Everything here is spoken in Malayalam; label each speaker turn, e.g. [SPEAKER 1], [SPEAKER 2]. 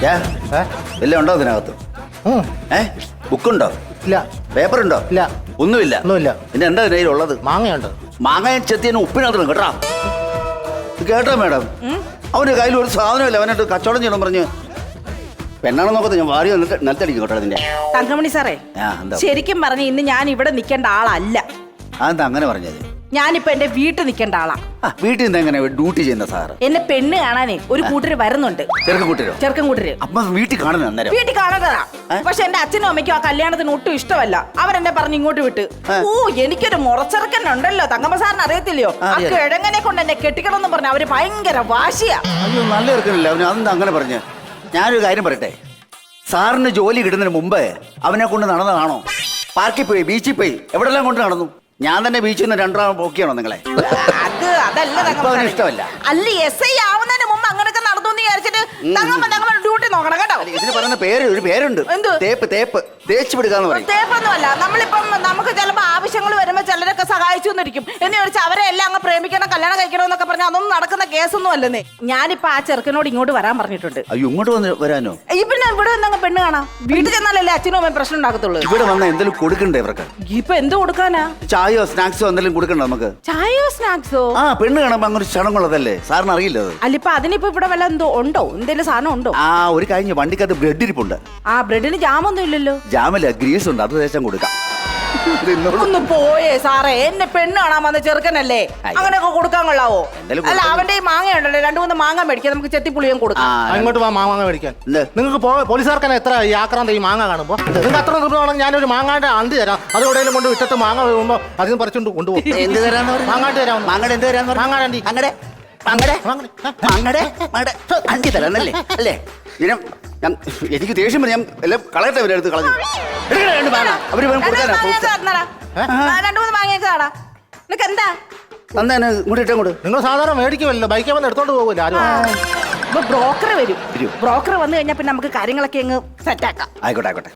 [SPEAKER 1] എല്ലാം ഉണ്ടോ അതിനകത്ത്? ബുക്കുണ്ടോ?
[SPEAKER 2] ഇല്ല.
[SPEAKER 1] പേപ്പറുണ്ടോ?
[SPEAKER 2] ഇല്ല.
[SPEAKER 1] ഒന്നുമില്ല. പിന്നെ എന്താ കയ്യിലുള്ളത്?
[SPEAKER 2] മാങ്ങയുണ്ട്.
[SPEAKER 1] മാങ്ങ ചെത്തിയതിന് ഉപ്പിനകത്ത് കേട്ടാ. കേട്ടോ മേഡം, അവന്റെ കയ്യിൽ ഒരു സാധനമില്ല. അവനായിട്ട് കച്ചവടം ചെയ്യണം പറഞ്ഞ് പെണ്ണാണെന്ന് നോക്കത്തെ ഞാൻ വാരി നിലത്തടിക്കും കേട്ടോ അതിന്റെ.
[SPEAKER 3] തങ്കമണി സാറേ, ശരിക്കും പറഞ്ഞ ഇന്ന് ഞാൻ ഇവിടെ നിൽക്കേണ്ട ആളല്ല.
[SPEAKER 1] അതെന്താ അങ്ങനെ പറഞ്ഞത്?
[SPEAKER 3] ഞാനിപ്പോ എന്റെ വീട്ടിൽ നിൽക്കേണ്ട ആളാ.
[SPEAKER 1] വീട്ടിൽ നിന്ന് എങ്ങനെ ഡ്യൂട്ടി ചെയ്യുന്ന സാറ്?
[SPEAKER 3] എന്നെ പെണ്ണ് കാണാനേ ഒരു കൂട്ടര് വരുന്നുണ്ട്. ചെറുക്കൻ കൂട്ടര്.
[SPEAKER 1] അപ്പൊ വീട്ടിൽ കാണുന്ന അന്നേരം
[SPEAKER 3] വീട്ടിൽ കാണുന്നതാ. പക്ഷെ എന്റെ അച്ഛനും അമ്മയ്ക്കും ആ കല്യാണത്തിന് ഒട്ടും ഇഷ്ടമല്ല. അവരെന്നെ പറഞ്ഞ് ഇങ്ങോട്ട് വിട്ട്. ഓ, എനിക്കൊരു മുറച്ചെറുക്കൻ ഉണ്ടല്ലോ, തങ്കമ്മ സാറിന് അറിയത്തില്ലയോ? ആ കിഴങ്ങനെ കൊണ്ട് എന്നെ കെട്ടിക്കണം എന്ന് പറഞ്ഞ അവര് ഭയങ്കര വാശിയാ.
[SPEAKER 1] അയ്യോ, നല്ല ചെറുക്കനല്ലേ അവന്. അതെന്താ അങ്ങനെ പറഞ്ഞ്? ഞാനൊരു കാര്യം പറയട്ടെ, സാറിന് ജോലി കിട്ടുന്നതിന് മുമ്പ് അവനെ കൊണ്ട് നടന്നതാണോ? പാർക്കിൽ പോയി, ബീച്ചിൽ പോയി, എവിടെല്ലാം കൊണ്ട് നടന്നു? ഞാൻ തന്നെ ബീച്ചിൽ നിന്ന് 2 റൗണ്ട് പോക്കിയാണോ നിങ്ങളെ?
[SPEAKER 3] അതല്ല
[SPEAKER 1] ഇഷ്ടമല്ല.
[SPEAKER 3] അല്ല, SI ആവുന്നതിന് മുമ്പ് അങ്ങനെയൊക്കെ നടന്നു എന്ന് വിചാരിച്ചിട്ട് ഡ്യൂട്ടി നോക്കണം കേട്ടോ.
[SPEAKER 1] ഇതിന് പറയുന്ന ഒരു പേരുണ്ട്. തേപ്പ് തേച്ച് വിടുകാന്ന് പറയും.
[SPEAKER 3] തേപ്പൊന്നുമല്ല. നമ്മളിപ്പം നമുക്ക് ചിലപ്പോ ആവശ്യങ്ങൾ വരുമ്പോ ചിലരൊക്കെ സഹായിച്ചു എന്നിരിക്കും എന്ന് ചോദിച്ചാൽ അവരെ എല്ലാം അങ്ങ് പ്രേമിക്കണം, കല്യാണം കഴിക്കണം എന്നൊക്കെ പറഞ്ഞാൽ അതൊന്നും നടക്കുന്ന കേസൊന്നും അല്ലെന്നേ. ഞാനിപ്പോ ആ ചെറുക്കനോട് ഇങ്ങോട്ട് വരാൻ പറഞ്ഞിട്ടുണ്ട്.
[SPEAKER 1] അയ്യോ, ഇങ്ങോട്ട് വരാനോ?
[SPEAKER 3] പിന്നെ ഇവിടെ വന്നങ്ങ് പെണ്ണ് കാണാം. വീട്ടിൽ ചെന്നാലല്ലേ അച്ഛനും അമ്മയും പ്രശ്നം ഉണ്ടാക്കത്തുള്ളൂ.
[SPEAKER 1] ഇവിടെ വന്ന എന്തെങ്കിലും കൊടുക്കണ്ടേ ഇവർക്ക്?
[SPEAKER 3] ഇപ്പൊ എന്ത് കൊടുക്കാനാ?
[SPEAKER 1] ചായയോ സ്നാക്സോ എന്തെങ്കിലും കൊടുക്കണ്ടോ നമുക്ക്?
[SPEAKER 3] ചായയോ സ്നാക്സോ?
[SPEAKER 1] പെണ്ണ് കാണുമ്പോ അങ്ങനെ ചടങ്ങുള്ളതല്ലേ, സാറിന് അറിയില്ല അത്?
[SPEAKER 3] അല്ലിപ്പൊ അതിനിപ്പോ ഇവിടെ വല്ല എന്തോ ഉണ്ടോ? എന്തെങ്കിലും സാധനം ഉണ്ടോ?
[SPEAKER 1] ഒരു കഴിഞ്ഞ വണ്ടിക്കകത്ത് ബ്രെഡ് ഇരിപ്പുണ്ട്.
[SPEAKER 3] ബ്രെഡിന് ജാമൊന്നും ഇല്ലല്ലോ.
[SPEAKER 1] ജാമില്ല, ഗ്രീസ് ഉണ്ട്, അത് ദേശം കൊടുക്കാം.
[SPEAKER 3] ഒന്ന് പോയേ സാറേ, എന്നെ പെണ്ണ് കാണാൻ വന്ന ചെറുക്കനല്ലേ, അങ്ങനെയൊക്കെ കൊടുക്കാൻ കൊള്ളാവോ? അല്ല, അവന്റെ ഈ മാങ്ങ ഉണ്ടല്ലോ, 2-3 മാങ്ങ മേടിക്കാം, നമുക്ക് ചെത്തിപ്പുളിയും കൊടുക്കാം.
[SPEAKER 2] അങ്ങോട്ട് മാങ്ങ മേടിക്കാൻ നിങ്ങൾക്ക് പോലീസുകാർക്ക് എത്ര ഈ ആക്രാന്ത ഈ മാങ്ങ കാണുമ്പോ? നിങ്ങൾക്ക് അത്ര നിർബന്ധമാണെങ്കിൽ ഞാനൊരു മാങ്ങാന്റെ അന്തി തരാം. അത് എവിടെയെങ്കിലും കൊണ്ട് വിട്ടിട്ട് മാങ്ങ വീഴുമ്പോ അതിന് പറിച്ചുകൊണ്ട് കൊണ്ടുപോകും.
[SPEAKER 1] എന്ത് തരാന്ന്?
[SPEAKER 2] മാങ്ങാണ്ട് തരാം.
[SPEAKER 1] മാങ്ങടെ എന്ത് തരാന്ന്?
[SPEAKER 2] മാങ്ങാടി
[SPEAKER 1] അണ്ടി തരാന്നല്ലേ? അല്ലേ? എനിക്ക് ദേഷ്യം വരും. ഞാൻ എല്ലാം കളയട്ടെ, അവരെടുത്ത് കളഞ്ഞു. അവര് കൊടുക്കാനാ?
[SPEAKER 3] 2-3 മാങ്ങയൊക്കെ ആടാ. നിനക്ക് എന്താ
[SPEAKER 1] തന്നെ ഇങ്ങോട്ട് ഇട്ടങ്ങോട്ട്?
[SPEAKER 2] നിങ്ങൾ സാധാരണ മേടിക്കുമല്ലോ, ബൈക്കിൽ വന്ന് എടുത്തോണ്ട് പോകില്ല ആരും.
[SPEAKER 3] ബ്രോക്കർ വരും. ബ്രോക്കർ വന്നു കഴിഞ്ഞാൽ പിന്നെ നമുക്ക് കാര്യങ്ങളൊക്കെ അങ്ങ് സെറ്റാക്കാം.
[SPEAKER 1] ആയിക്കോട്ടെ.